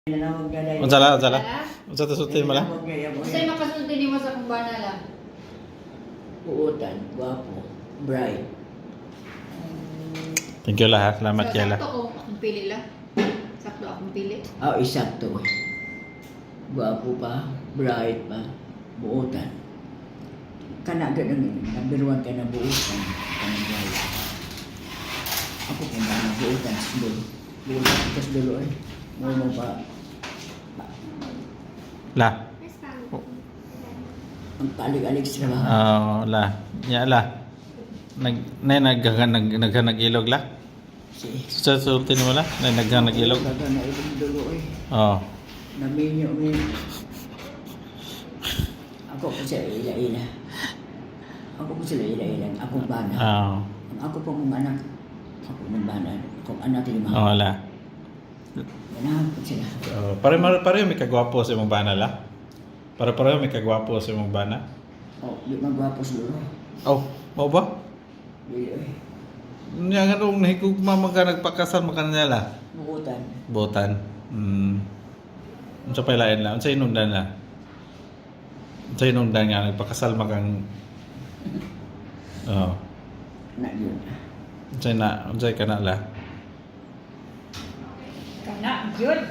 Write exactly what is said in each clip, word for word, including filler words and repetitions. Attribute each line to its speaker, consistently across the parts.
Speaker 1: Unsa la, unsa la? Unsa ta sulti mo la?
Speaker 2: Unsay makasulti nimo sa kumbana la?
Speaker 3: Buotan, guwapo, bright.
Speaker 1: Thank you la ha. Salamat
Speaker 2: So,
Speaker 1: kay la.
Speaker 2: sakto ko akong pili la. Sakto akong pili.
Speaker 3: Ah, isakto. Guwapo pa, bright pa, buotan. Kana ganun, number one ka na buotan. Kana bright. Ako kung ba na buotan, dulo. Buotan, tapos dulo eh. Mo mo pa.
Speaker 1: La.
Speaker 3: Ang palig-alig sa trabaho.
Speaker 1: Oh, la. Ya la. Nag nay nag nag nag nag-ilog la.
Speaker 3: Si.
Speaker 1: Sa sulti mo la. Nay nag nag-ilog.
Speaker 3: Kaga na ibang dulo eh.
Speaker 1: Oh.
Speaker 3: Naminyo min. Ako po sila ila-ila. Ako po sila ila-ila. Akong bana.
Speaker 1: Oh.
Speaker 3: Ang ako pong anak. Ako ng bana. Akong anak lima.
Speaker 1: Oh la.
Speaker 3: Ganahan po sila.
Speaker 1: Oh, pare pare may kagwapo sa imong bana la. Pare pare may kagwapo sa imong bana.
Speaker 3: Oh, di magwapo siguro.
Speaker 1: Oh, mo ba?
Speaker 3: Di eh.
Speaker 1: Nya nga nung nahigugma man ka nagpakasal man kanila la.
Speaker 3: Bukutan.
Speaker 1: Botan. Hmm. Unsa pa lain la? Unsa inungdan la? Unsa inungdan nga nagpakasal magang Oh.
Speaker 3: Na yun.
Speaker 1: Unsa na? Unsa ka na la?
Speaker 2: Kana gyud.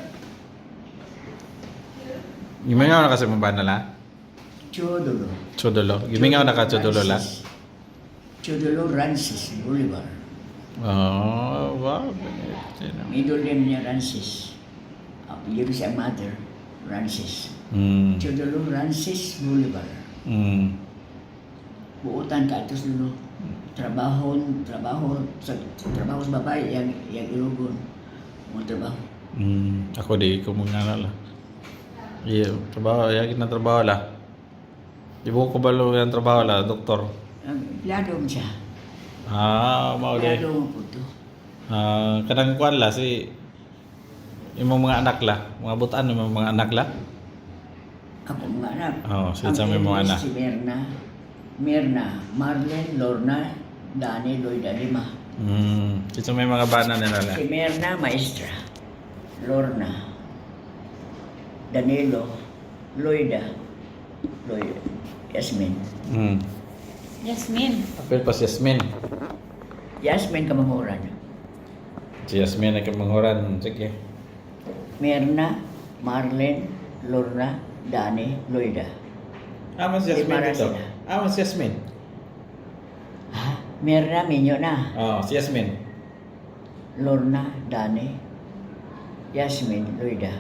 Speaker 1: Gimingaw na kasi mo ba na la?
Speaker 3: Chodolo.
Speaker 1: Chodolo. Gimingaw na ka chodolo la?
Speaker 3: Chodolo Rancis Bolivar.
Speaker 1: Oh, wow.
Speaker 3: Middle name niya Rancis. Apelyido siya mother. Rancis.
Speaker 1: Hmm.
Speaker 3: Chodolo Rancis Bolivar.
Speaker 1: Hmm.
Speaker 3: Buutan ka atos dulo. Trabaho, trabaho sa trabaho sa babae yang yang ilugon. Mo trabaho.
Speaker 1: Hmm. Ako di ko mga na la. Iya, trabaho, ya na trabaho la. Di ko kabalo yung trabaho la, doktor.
Speaker 3: Ang empleyado mo siya.
Speaker 1: Ah, mao di.
Speaker 3: Empleyado mo po to.
Speaker 1: Ah, kanang kuan la si imong mga anak la, mga butan imong mga anak la.
Speaker 3: Ako mga anak.
Speaker 1: Oh, si
Speaker 3: Ang
Speaker 1: sa mga
Speaker 3: English,
Speaker 1: anak.
Speaker 3: Si Mirna. Mirna. Marlene, Lorna, Dani, Lloyda, lima.
Speaker 1: Hmm. Ito may mga bana nila la.
Speaker 3: Si Mirna, maestra. Lorna. Danilo. Lloyda. Lloyda. Yasmin.
Speaker 1: Hmm.
Speaker 2: Yasmin.
Speaker 1: Apil pa si Yasmin.
Speaker 3: Yasmin Kamanguran.
Speaker 1: Si Yasmin ay kamanghuran. Sige.
Speaker 3: Mirna, Marlene, Lorna, Dani, Lloyda.
Speaker 1: Ah, mas
Speaker 3: Yasmin
Speaker 1: Yasmin
Speaker 3: Lima
Speaker 1: dito.
Speaker 3: sila.
Speaker 1: Ah, mas Yasmin.
Speaker 3: Ha? Mirna, Minyo na.
Speaker 1: Oh, si Yasmin.
Speaker 3: Lorna, Dani, Yasmin, Lloyda.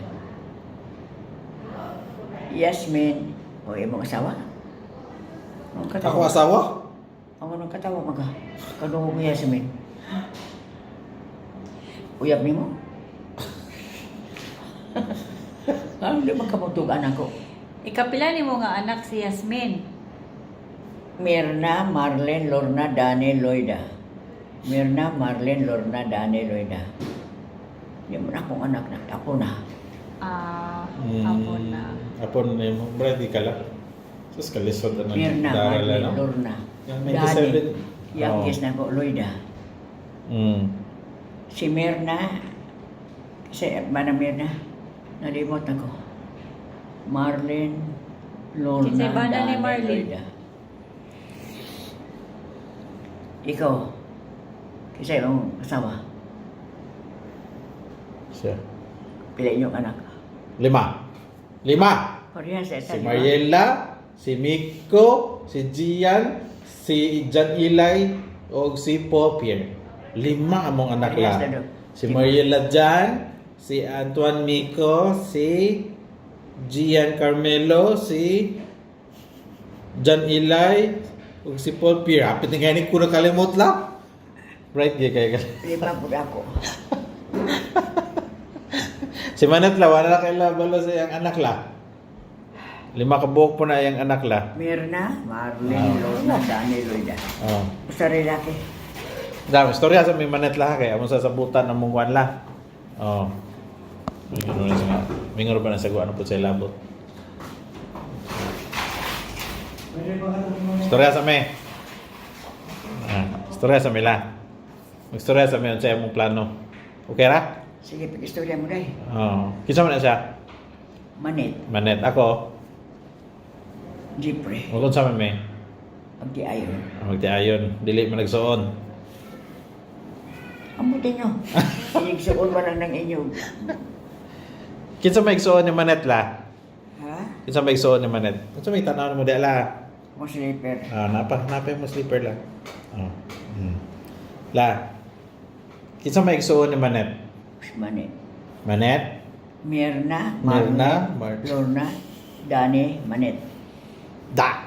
Speaker 3: Yasmin, o imong asawa? Ang
Speaker 1: Ako
Speaker 3: katawa.
Speaker 1: asawa?
Speaker 3: Ang anong katawa maga? Kadungog ni Yasmin. Uyab ni mo? Ano di magkamutugan ako?
Speaker 2: Ikapila nimo nga anak si Yasmin.
Speaker 3: Mirna, Marlene, Lorna, Dani, Lloyda. Mirna, Marlene, Lorna, Dani, Lloyda. Yung mo na akong anak na. Ako na.
Speaker 2: Ah,
Speaker 1: Hmm.
Speaker 2: hapon na.
Speaker 1: Apon na yung ready ka lang. Sus, kalisod na
Speaker 3: Mirna,
Speaker 1: daral
Speaker 3: Marlene,
Speaker 1: no?
Speaker 3: Lorna.
Speaker 1: Yung may
Speaker 3: Dani.
Speaker 1: seven.
Speaker 3: Youngest na ako, Lloyda.
Speaker 1: Hmm.
Speaker 3: Si Mirna, si Mana Mirna, nalimot ako. Marlene, Lorna,
Speaker 2: Si Bana ni
Speaker 3: Dani,
Speaker 2: Marlene.
Speaker 3: Lloyda. Ikaw, kasi yung asawa,
Speaker 1: Siya.
Speaker 3: pila inyong anak.
Speaker 1: Lima. Lima!
Speaker 3: Korea sa
Speaker 1: Si Mariela, si Miko, si Gian, si Jan Ilay, o si Popier. Lima among anak
Speaker 3: Parehas
Speaker 1: la.
Speaker 3: na daw.
Speaker 1: Si Mariela Jan, si Antoine Miko, si Gian Carmelo, si Jan Ilay, o si Paul Pierre. Hapit nga ni ko nakalimot lang. Right, gay kay
Speaker 3: Lima po ako.
Speaker 1: Si Manat la, wala na kaila balo sa iyang anak la. Lima ka buhok po na iyang anak la.
Speaker 3: Mirna, Marlene,
Speaker 1: Ah.
Speaker 3: Lorna, Dani, Lloyda.
Speaker 1: Oh.
Speaker 3: Sa lalaki.
Speaker 1: Dami, storya sa may Manat la kay among sasabutan ng mungwan la. Oh. May gano'n na siya. May ngaro ba na sago ano po sa ilabot. Storya sa may. Ah, storya sa may la. Magstorya sa may sa imong plano. Okay ra?
Speaker 3: Sige, pag-istorya mo day.
Speaker 1: Oh. Kinsa man na siya?
Speaker 3: Manit,
Speaker 1: Manet ako.
Speaker 3: Jeffrey,
Speaker 1: Ug unsa man may?
Speaker 3: pagtiayon.
Speaker 1: Magtiayon, dili man nagsuon.
Speaker 3: Amo din nyo. Sinigsuon ba lang ng inyo?
Speaker 1: Kinsa may igsuon ni Manet la?
Speaker 3: Ha?
Speaker 1: Kinsa may igsuon ni Manet? Unsa may tanaw mo di la?
Speaker 3: Mo sleeper.
Speaker 1: Ah, napa, napa mo sleeper la. Oh. Hmm. La. Kinsa may igsuon ni Manet?
Speaker 3: Manit.
Speaker 1: Manet?
Speaker 3: Mirna,
Speaker 1: Mirna,
Speaker 3: Marlet,
Speaker 1: Mar-
Speaker 3: Lorna, Dani, Manet.
Speaker 1: Da.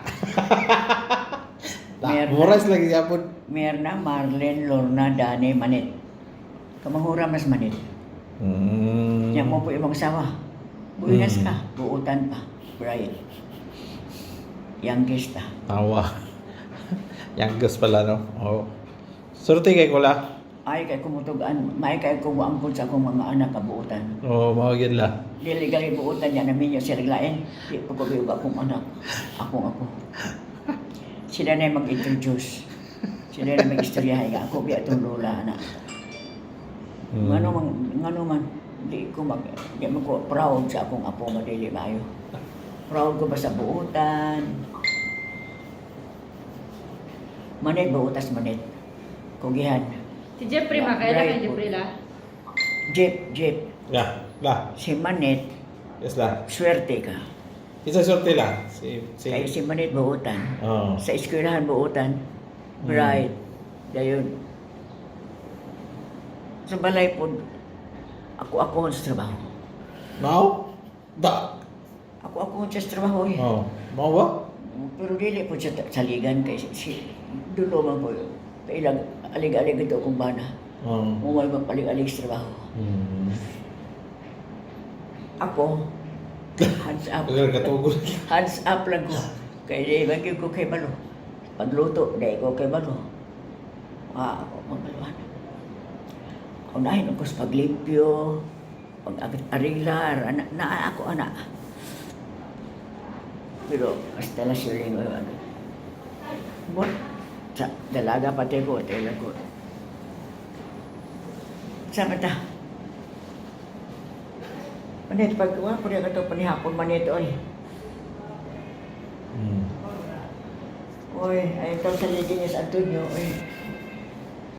Speaker 1: Da.
Speaker 3: Meron.
Speaker 1: Muras lagi yapon.
Speaker 3: Mirna, Marlen, Lorna, Dani, Manet. Kamahura mas Manet.
Speaker 1: Hmm.
Speaker 3: Yan mo po imong asawa. Buinas
Speaker 1: Mm.
Speaker 3: ka, buutan pa. Brian. Youngest pa.
Speaker 1: Tawa. Youngest pala no. Oh. Surti kay ko la.
Speaker 3: Ay kay kumutugan, may kay kumuangkol sa akong mga anak kabuutan.
Speaker 1: Oh, mao gyud la.
Speaker 3: Dili gali buutan yan namin yung siriglain. Di pa ko biyog akong anak. Akong ako. Sila na yung mag-introduce. Sila na mag-istoryahay nga. Ako biya itong lola anak.
Speaker 1: Hmm.
Speaker 3: Ngano man, ngano man, di ko mag, di man ko proud sa akong apo nga dili maayo. Proud ko ba sa buutan? Manit buutas manit. Kugihan.
Speaker 2: Si Jeffrey,
Speaker 3: Yeah,
Speaker 2: makailan
Speaker 3: right.
Speaker 2: kay Jeffrey la?
Speaker 3: Jeep, jeep.
Speaker 1: Ya, la.
Speaker 3: Si Manit,
Speaker 1: Yes la.
Speaker 3: swerte ka.
Speaker 1: Isa surti la. Si si
Speaker 3: Kaya si Manit buutan.
Speaker 1: Oh.
Speaker 3: Sa eskwelahan buutan. Bright. Dayon. Sa balay po, ako ako sa trabaho.
Speaker 1: Mao? Da.
Speaker 3: Ako ako sa trabaho eh.
Speaker 1: Oh. Mao ba?
Speaker 3: Pero dili po siya saligan kay si, si dulo man po. Kailang alig-alig ito kung bana.
Speaker 1: Oh.
Speaker 3: Muwal magpalig-alig sa trabaho.
Speaker 1: Hmm.
Speaker 3: Ako, hands up.
Speaker 1: Agar katugol.
Speaker 3: Hands up lang ko. Kaya di bagay ko kay Balo. Pagluto, di ko kay Balo. Ah, ako magbaluhan. Unahin ako sa paglimpyo, pag-arilar, anak, na ako anak. Pero, hasta la siya rin, ano. Bon, sa dalaga pati ko, tela ko. Sama ta. Manit, pagkuha ko rin ito, panihapon manit, oy.
Speaker 1: Hmm.
Speaker 3: Oy, ay ito sa ligin niya sa Antonio, oy.